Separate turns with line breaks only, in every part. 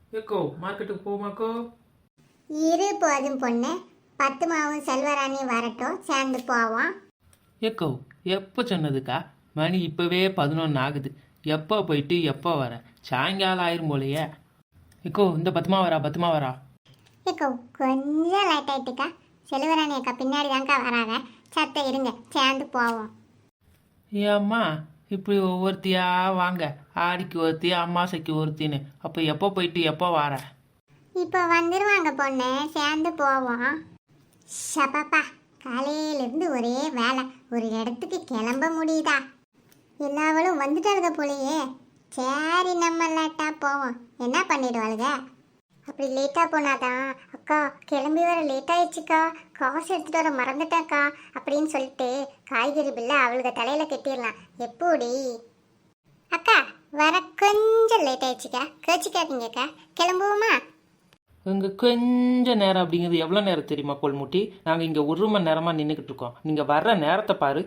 ஏக்கோ மார்க்கெட்டுக்கு போமாக்கோ?
இரு போதும் பொண்ணு, பத்துமாவும் செல்வராணியும் வரட்டும், சேர்ந்து போவோம்.
ஏக்கோ எப்போ சொன்னதுக்கா? மணி இப்போவே 11 ஆகுது. எப்போ போயிட்டு எப்போ வர? சாயங்காலம் ஆயிரும் போலையே. ஏக்கோ இந்த பத்துமா வரா.
ஏக்கோ கொஞ்சம் லைட் ஆயிட்டுக்கா, செல்வராணி அக்கா பின்னாடி தான்க்கா வராங்க. சத்த இருங்க, சேர்ந்து போவோம்.
ஏம்மா இப்படி ஒவ்வொருத்தியா வாங்க, ஆடிக்கு ஒருத்தி அம்மாசைக்கு ஒருத்தின்னு. அப்போ எப்போ போயிட்டு எப்போ வர?
இப்போ வந்துருவாங்க பொண்ணு, சேர்ந்து போவோம். ஷபாப்பா, காலையிலேருந்து ஒரே வேலை, ஒரு இடத்துக்கு கிளம்ப முடியுதா? எல்லாவளும் வந்துட்டாளுங்க போலையே. சரி நம்ம லேட்டாக போவோம், என்ன பண்ணிடுவாளுங்க? அப்படி லேட்டாக போனாதான் அக்கா கிளம்பி வர லேட் ஆயிடுச்சுக்கா, காசு எடுத்துகிட்டு வர மறந்துட்டேன்க்கா அப்படின்னு சொல்லிட்டு காய்கறி பில்லை அவளுக்கு தலையில் கட்டிடலாம். எப்படி அக்கா வர கொஞ்சம் லேட் ஆயிடுச்சுக்கா, கேச்சிக்காதீங்கக்கா, கிளம்புவோமா?
இங்கே கொஞ்சம் நேரம் அப்படிங்கிறது எவ்வளோ நேரம் தெரியுமா கொள்முட்டி? நாங்கள் இங்கே 1 மணி நேரமாக நின்றுக்கிட்டு இருக்கோம். நீங்கள் வர்ற நேரத்தை பாரு.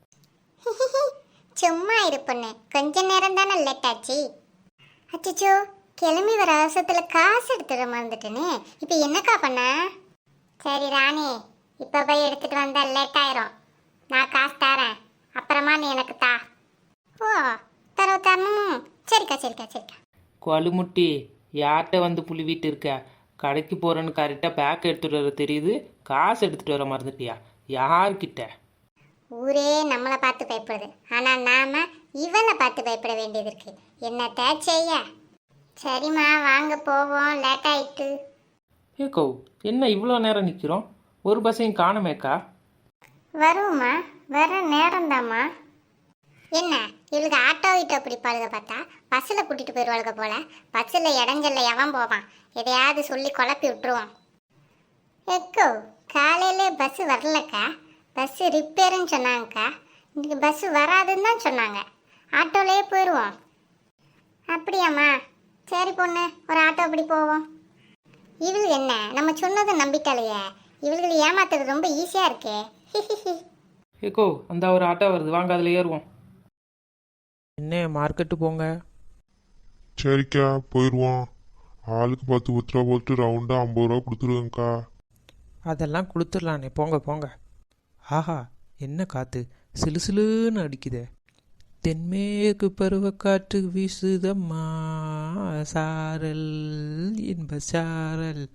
சும்மா இருப்பண்ணு, கொஞ்ச நேரம் தானே லேட் ஆச்சு. அச்சோ, கிளம்பி வர அவசரத்தில் காசு எடுத்துட மறந்துட்டேனே, இப்போ என்னக்கா பண்ண? சரி ராணி, இப்போ போய் எடுத்துட்டு வந்தா லேட் ஆயிரும். நான் காசு தரேன், அப்புறமா நீ எனக்கு தா. ஓ தரணும். சரிக்கா சரிக்கா சரிக்கா.
கொழுமுட்டி யார்கிட்ட வந்து புழுவிட்டு இருக்க? கடைக்கு போகிறேன்னு கரெக்டாக பேக் எடுத்துகிட்டு வர தெரியுது, காசு எடுத்துகிட்டு வர மறந்துட்டியா? யார்கிட்ட?
ஊரே நம்மளை பார்த்து பயப்படுது, ஆனால் நாம இவனை பார்த்து பயப்பட வேண்டியது இருக்கு. என்னத்த செய்ய? சரிம்மா வாங்க போவோம், லேட் ஆயிட்டு.
ஏக்கோ என்ன இவ்வளோ நேரம் நிற்கிறோம்? ஒரு பஸ்ஸையும் காணுமேக்கா.
வருவோம்மா, வர நேரம்தாம்மா. என்ன இவளுக்கு ஆட்டோ வீட்டோ பிடிப்பாளுக பார்த்தா பஸ்ஸில் கூட்டிகிட்டு போயிடுவாளுக போல. பஸ்ஸில் இடஞ்சல்ல எவன் போவான்? எதையாவது சொல்லி குழப்பி விட்டுருவோம். எக்கோ காலையிலே பஸ்ஸு வரலக்கா, பஸ்ஸு ரிப்பேருன்னு சொன்னாங்கக்கா. இன்றைக்கி பஸ்ஸு வராதுன்னு தான் சொன்னாங்க. ஆட்டோலேயே போயிடுவோம். அப்படியாம்மா? சரி பொண்ணு, ஒரு ஆட்டோ அப்படி போவோம். இவளுக்கு என்ன நம்ம சொன்னதை நம்பிட்டாலையே, இவளுகளை ஏமாத்துறது ரொம்ப ஈஸியாக இருக்கே.
ஏக்கோ அந்த ஒரு ஆட்டோ வருது, வாங்க அதில் ஏறுவோம். என்ன மார்க்கெட்டு போங்க.
சரிக்கா போயிடுவோம். ஆளுக்கு 10 ரூபா போட்டு ரவுண்டாக 50 ரூபா கொடுத்துருவேங்க்கா.
அதெல்லாம் கொடுத்துடலானே, போங்க போங்க. ஆஹா என்ன காற்று சிலுசிலுன்னு அடிக்குதே. தென்மேற்கு பருவக்காற்று வீசுதம்மா, சாரல் இன்ப சாரல்.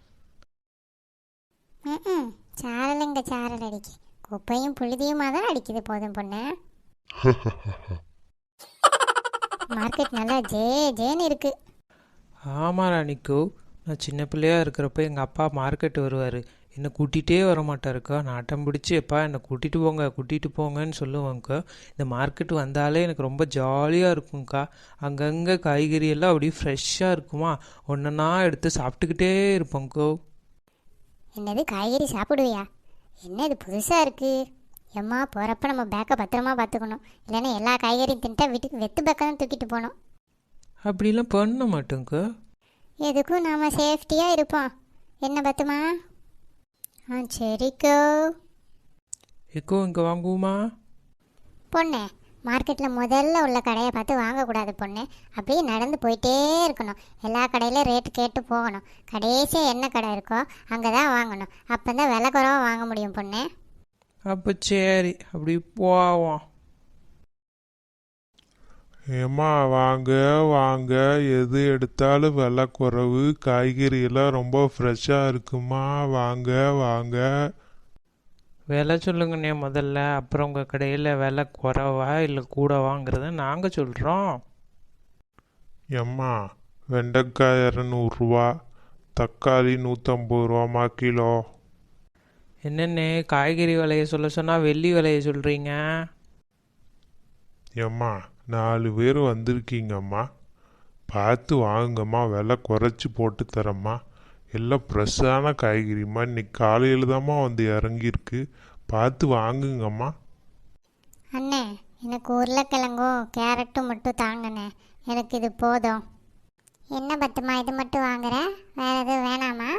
சாரல் எங்க சாரல் அடிக்கு, குப்பையும் புழுதியுமா தான் அடிக்குது. போதும் பொண்ணு, மார்க்கெட் நல்லா ஜேன்னு இருக்கு.
ஆமாம் ராணிக்கோ, நான் சின்ன பிள்ளையாக இருக்கிறப்ப எங்கள் அப்பா மார்க்கெட்டு வருவார், என்னை கூட்டிகிட்டே வர மாட்டாருக்கா. நாட்டம் பிடிச்சி எப்பா என்னை கூட்டிகிட்டு போங்கன்னு சொல்லுவாங்கக்கா. இந்த மார்க்கெட்டு வந்தாலே எனக்கு ரொம்ப ஜாலியாக இருக்கும்க்கா. அங்கங்கே காய்கறி எல்லாம் அப்படியே ஃப்ரெஷ்ஷாக இருக்குமா, ஒன்றா எடுத்து சாப்பிட்டுக்கிட்டே இருப்போங்க்கோ.
என்னது காய்கறி சாப்பிடுவியா? என்ன இது புதுசாக இருக்கு? எம்மா போகிறப்ப நம்ம பேக்கை பத்திரமா பார்த்துக்கணும், இல்லைன்னா எல்லா காய்கறியும் தின்ட்டா வீட்டுக்கு வெத்து பேக்கை தான் தூக்கிட்டு போகணும்.
அப்படிலாம் பண்ண மாட்டோங்க்கா.
எதுக்கும் நாம் சேஃப்டியாக இருப்போம். என்ன பத்துமா? சரிக்கோ.
எக்கோ இங்கே வாங்குவோமா?
பொண்ணு, மார்க்கெட்டில் முதல்ல உள்ள கடையை பார்த்து வாங்கக்கூடாது பொண்ணு, அப்படியே நடந்து போயிட்டே இருக்கணும். எல்லா கடையிலும் ரேட்டு கேட்டு போகணும். கடைசியாக என்ன கடை இருக்கோ அங்கே தான் வாங்கணும், அப்போ தான் விலை குறைவாக வாங்க முடியும் பொண்ணு.
அப்போ சரி அப்படி போவோம்.
ஏம்மா வாங்க வாங்க, எது எடுத்தாலும் விலை குறைவு, காய்கறி எல்லாம் ரொம்ப ஃப்ரெஷ்ஷாக இருக்குமா, வாங்க வாங்க.
விலை சொல்லுங்கண்ணே முதல்ல, அப்புறம் உங்கள் கடையில் விலை குறைவா இல்லை கூடவாங்கிறத நாங்கள் சொல்கிறோம்.
ஏம்மா வெண்டைக்காய் 200 ரூபா, தக்காளி 150 ரூபாம்மா கிலோ.
என்னென்ன காய்கறி விலையை சொல்ல சொன்னால் வெள்ளி விலையை சொல்கிறீங்க?
ஏம்மா 4 பேர் வந்திருக்கீங்கம்மா, பார்த்து வாங்குங்கம்மா, விலை குறைச்சி போட்டு தரம்மா. எல்லாம் ஃப்ரெஷ்ஷான காய்கறிம்மா, இன்னைக்கு காலையில் தாம்மா வந்து இறங்கியிருக்கு, பார்த்து வாங்குங்கம்மா.
அண்ணே எனக்கு உருளைக்கிழங்கும் கேரட்டும் மட்டும் தாங்கண்ணே, எனக்கு இது போதும். என்ன பத்துமா இது மட்டும் வாங்குற, வேறு எதுவும் வேணாமா?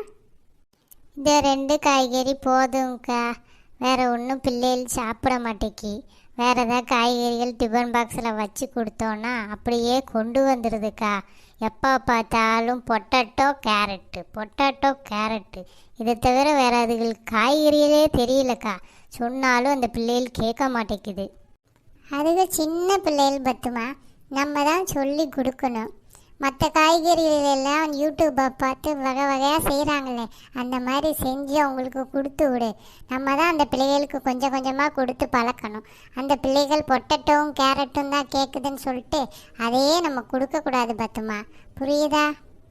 இந்த 2 காய்கறி போதும்க்கா, வேறு ஒன்றும் பிள்ளைகள் சாப்பிட மாட்டேக்கி.
வேறு ஏதாவது காய்கறிகள் டிஃபன் பாக்ஸில் வச்சு கொடுத்தோன்னா அப்படியே கொண்டு வந்துடுதுக்கா. எப்போ பார்த்தாலும் பொட்டேட்டோ கேரட்டு இதை தவிர வேறு அதுகளுக்கு காய்கறிகளே தெரியலக்கா. சொன்னாலும் அந்த பிள்ளைகள் கேட்க மாட்டேங்குது.
அதுக்கு சின்ன பிள்ளைகள் பத்துமா, நம்ம தான் சொல்லி கொடுக்கணும். மற்ற காய்கறிகள் எல்லாம் யூடியூப்பை பார்த்து வகை வகையாக செய்கிறாங்களே, அந்த மாதிரி செஞ்சு அவங்களுக்கு கொடுத்து விடு. நம்ம தான் அந்த பிள்ளைகளுக்கு கொஞ்சம் கொஞ்சமாக கொடுத்து பழக்கணும். அந்த பிள்ளைகள் பொட்டேட்டோவும் கேரட்டும் தான் கேட்குதுன்னு சொல்லிட்டு அதையே நம்ம கொடுக்கக்கூடாது பத்துமா, புரியுதா?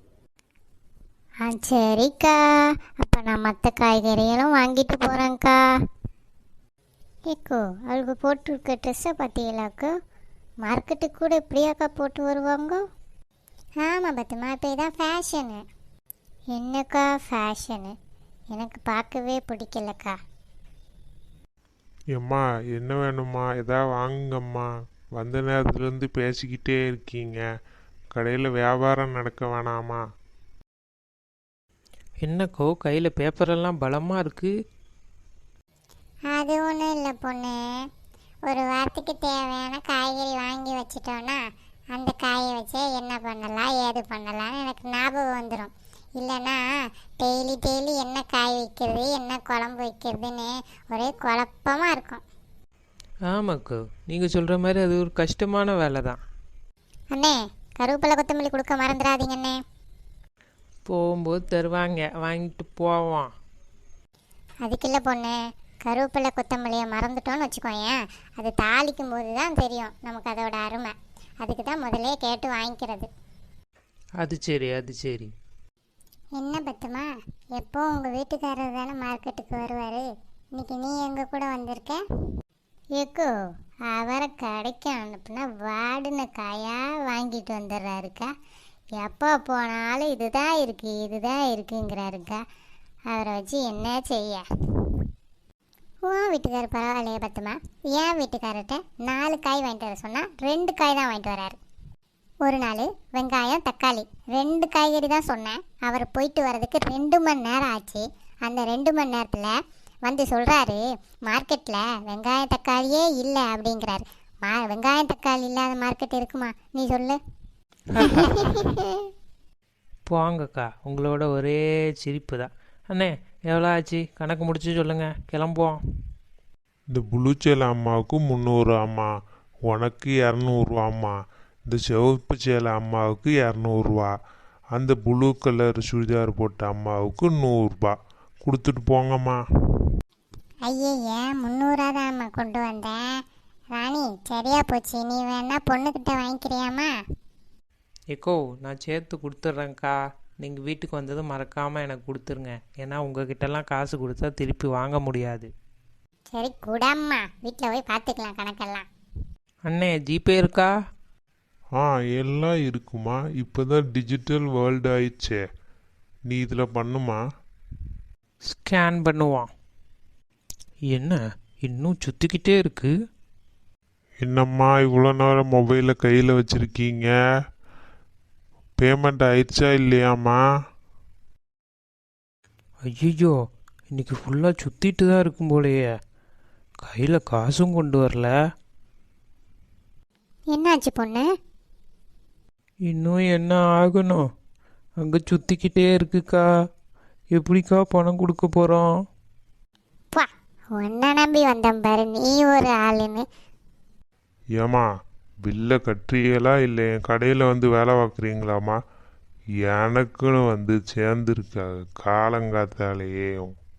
சரிக்கா, அப்போ நான் மற்ற காய்கறிகளும் வாங்கிட்டு போகிறேங்க்கா. ஏக்கோ, அவளுக்கு போட்டிருக்க ட்ரெஸ்ஸை பார்த்தீங்களாக்கோ? மார்க்கெட்டுக்கு கூட இப்படியாக்கா போட்டு வருவாங்க?
ஆமாம் பத்துமா, இப்போ இதான் ஃபேஷனு.
என்னக்கா ஃபேஷனு? எனக்கு பார்க்கவே பிடிக்கலக்கா.
ஏம்மா என்ன வேணும்மா, எதாவது வாங்குங்கம்மா. வந்த நேரத்துலேருந்து பேசிக்கிட்டே இருக்கீங்க. கடையில் வியாபாரம் நடக்க வேணாமா?
என்னக்கோ கையில் பேப்பரெல்லாம் பலமாக இருக்குது.
அது ஒன்றும் இல்லை பொண்ணு, ஒரு வாரத்துக்கு தேவையான காய்கறி வாங்கி வச்சிட்டோன்னா அந்த காயை வச்சு என்ன பண்ணலாம் ஏது பண்ணலாம்னு எனக்கு ஞாபகம் வந்துடும். இல்லைன்னா டெய்லி என்ன காய் வைக்கிறது என்ன குழம்பு வைக்கிறதுன்னு ஒரே குழப்பமாக இருக்கும்.
ஆமாக்கோ, நீங்கள் சொல்கிற மாதிரி அது ஒரு கஷ்டமான வேலை தான்.
அண்ணே, கருவேப்பிலை கொத்தமல்லி கொடுக்க மறந்துடாதீங்கண்ணே.
போகும்போது தருவாங்க, வாங்கிட்டு போவோம்.
அதுக்கில்ல பொண்ணு, கருவேப்பிலை கொத்தமல்லியை மறந்துட்டோன்னு வச்சுக்கோயேன், அது தாளிக்கும் போது தான் தெரியும் நமக்கு அதோட அருமை. அதுக்கு தான் முதலே கேட்டு வாங்கிக்கிறது.
அது சரி, அது சரி.
என்ன பத்துமா, எப்போ உங்கள் வீட்டுக்காரர் தானே மார்க்கெட்டுக்கு வருவார், இன்னைக்கு நீ எங்கள் கூட வந்திருக்க?
ஏக்கோ, அவரை கடைக்கு அனுப்புனா வாடின காயாக வாங்கிட்டு வந்துடுறாருக்கா. எப்போ போனாலும் இதுதான் இருக்குங்கிறாருக்கா. அவரை வச்சு என்ன செய்ய?
உன் வீட்டுக்காரர் பரவாயில்லையே பத்துமா, என் வீட்டுக்காரர்கிட்ட 4 காய் வாங்கிட்டு வர சொன்னால் 2 காய் தான் வாங்கிட்டு வராரு. ஒரு நாள் வெங்காயம் தக்காளி 2 காய்கறி தான் சொன்னேன், அவர் போயிட்டு வர்றதுக்கு 2 மணி நேரம் ஆச்சு. அந்த 2 மணி நேரத்தில் வந்து சொல்கிறாரு மார்க்கெட்டில் வெங்காயம் தக்காளியே இல்லை அப்படிங்கிறாரு. வெங்காயம் தக்காளி இல்லாத மார்க்கெட் இருக்குமா நீ சொல்லு?
போங்கக்கா, உங்களோட ஒரே சிரிப்பு தான். அண்ணே, எவ்வளோ ஆச்சு கணக்கு முடிச்சு சொல்லுங்கள், கிளம்புவோம்.
இந்த ப்ளூ சேலை அம்மாவுக்கு 300 அம்மா, உனக்கு 200ரூவாம்மா. இந்த சிவப்பு சேலை அம்மாவுக்கு 200ரூவா, அந்த ப்ளூ கலர் சுடிதார் போட்ட அம்மாவுக்கு 100ரூபா கொடுத்துட்டு போங்கம்மா.
ஐயே, 300 தான் கொண்டு வந்தேன். ராணி, சரியா போச்சு, நீ வேணா பொண்ணுக்கிட்ட வாங்கிக்கிறியாம்மா?
ஏக்கோ, நான் சேர்த்து கொடுத்துட்றேங்க்கா. நீங்கள் வீட்டுக்கு வந்ததும் மறக்காமல் எனக்கு கொடுத்துருங்க. ஏன்னா உங்ககிட்டலாம் காசு கொடுத்தா திருப்பி வாங்க முடியாது.
சரி கூடாம்மா, வீட்டில் போய் பார்த்துக்கலாம் கணக்கெல்லாம்.
அண்ணே, ஜிபே இருக்கா?
எல்லாம் இருக்குமா, இப்போ தான் டிஜிட்டல் வேர்ல்டு ஆயிடுச்சே. நீ இதில் பண்ணுமா.
ஸ்கேன் பண்ணுவான். என்ன இன்னும் சுற்றிக்கிட்டே இருக்கு?
என்னம்மா இவ்வளோ நேரம் மொபைலை கையில் வச்சுருக்கீங்க? பேமெண்ட் ஆயிடுச்சா இல்லையாம்மா?
ஐயோ, இன்னைக்கு ஃபுல்லாக சுற்றிட்டு தான் இருக்கும் போலையே. கையில் காசும் கொண்டு வரல.
என்னாச்சு பொண்ணு?
இன்னும் என்ன ஆகணும்? அங்கே சுற்றிக்கிட்டே இருக்குக்கா. எப்படிக்கா பணம் கொடுக்க போகிறோம்?
பா, உன்னை நம்பி வந்தேன் பாரு, நீ ஒரு ஆளுன்னு.
ஏம்மா பில்லை கட்டுறீங்களா இல்லை என் கடையில் வந்து வேலை பார்க்குறீங்களாம்மா? எனக்குன்னு வந்து சேர்ந்துருக்கா காலங்காத்தாலேயே.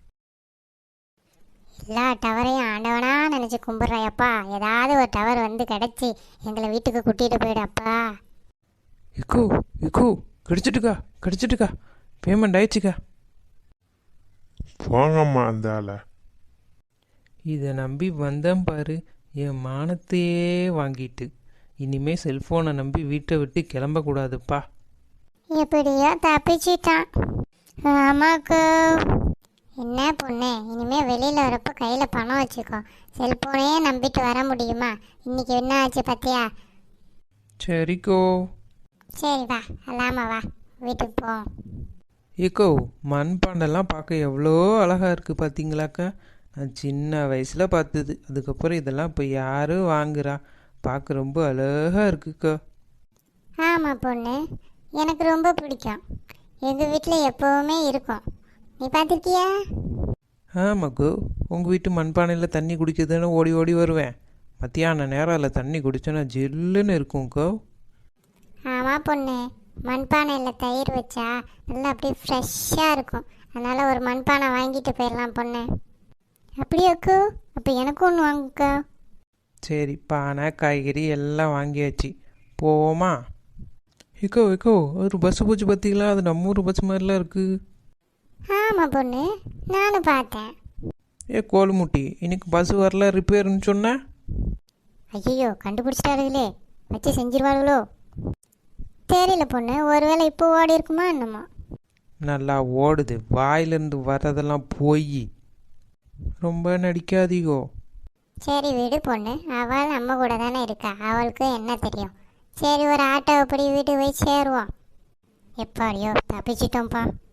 எல்லா டவரையும் ஆண்டவனா நினச்சி கும்பிட்றாயப்பா. ஏதாவது ஒரு டவர் வந்து கிடச்சி எங்களை வீட்டுக்கு கூட்டிகிட்டு போயிடப்பா.
இக்கு இக்கு கிடச்சிட்டுக்கா, கிடச்சிட்டுக்கா. பேமெண்ட் ஆயிடுச்சுக்கா.
போங்கம்மா அந்த ஆளை.
இதை நம்பி வந்தேன் பாரு, என் மானத்தையே வாங்கிட்டு. இனிமே செல்ஃபோனை நம்பி வீட்டை விட்டு கிளம்பக்கூடாதுப்பா.
எப்படியோ தப்பிச்சிட்டான்.
ஆமாக்கா.
என்ன பொண்ணு, இனிமேல் வெளியில் வரப்போ கையில் பணம் வச்சுக்கோ. செல்ஃபோனே நம்பிட்டு வர முடியுமா? இன்னைக்கு என்ன ஆச்சு பார்த்தியா?
சரிக்கோ.
சரி வா, அல்லாம வா, வீட்டுக்கு போ.
ஏக்கோ, மண்பாண்டெல்லாம் பார்க்க எவ்வளோ அழகாக இருக்குது பார்த்தீங்களாக்கா. நான் சின்ன வயசில் பார்த்தது. அதுக்கப்புறம் இதெல்லாம் இப்போ யாரும் வாங்குறா? பார்க்க ரொம்ப அழகாக இருக்குக்கா.
ஆமாம் பொண்ணு, எனக்கு ரொம்ப பிடிக்கும். எங்கள் வீட்டில் எப்போவுமே இருக்கும். நீ பார்த்துருக்கியா?
ஆமாக்கோ, உங்கள் வீட்டு மண்பானையில் தண்ணி குடிக்கிறதுன்னு ஓடி ஓடி வருவேன். மத்தியான நேரம் அதில் தண்ணி குடிச்சோன்னா ஜில்லுன்னு இருக்கும்க்கோ.
ஆமாம் பொண்ணு, மண்பானையில் தயிர் வச்சா நல்லா அப்படியே ஃப்ரெஷ்ஷாக இருக்கும். அதனால் ஒரு மண்பானை வாங்கிட்டு போயிடலாம் பொண்ணு. அப்படியாக்கோ? அப்போ எனக்கும் ஒன்று வாங்குக்கா.
சரி, பானை காய்கறி எல்லாம் வாங்கியாச்சு, போவோமா? இக்கோ இக்கோ, ஒரு பஸ்ஸு போச்சு பார்த்தீங்களா? அது நம்ம ஊர் பஸ் மாதிரிலாம் இருக்குது.
ஆமாம் பொண்ணு, நானும் பார்த்தேன்.
ஏ கோலுமுட்டி, இன்னைக்கு பஸ் வரல, ரிப்பேர்னு சொன்னேன்.
ஐயோ, கண்டுபிடிச்சிட்டாருங்களே, வச்சு செஞ்சிருவாளுகளோ? தெரியல பொண்ணு, ஒருவேளை இப்போ ஓடி இருக்குமா என்னமோ.
நல்லா ஓடுது, வாயிலிருந்து வர்றதெல்லாம் போய். ரொம்ப நடிக்காதீகோ.
சரி விடு பொண்ணு, அவள் நம்ம கூட தானே இருக்கா, அவளுக்கு என்ன தெரியும். சரி, ஒரு ஆட்டோவை படி வீட்டுக்கு போய் சேருவோம். எப்பாடியோ தப்பிச்சிட்டோம்ப்பா.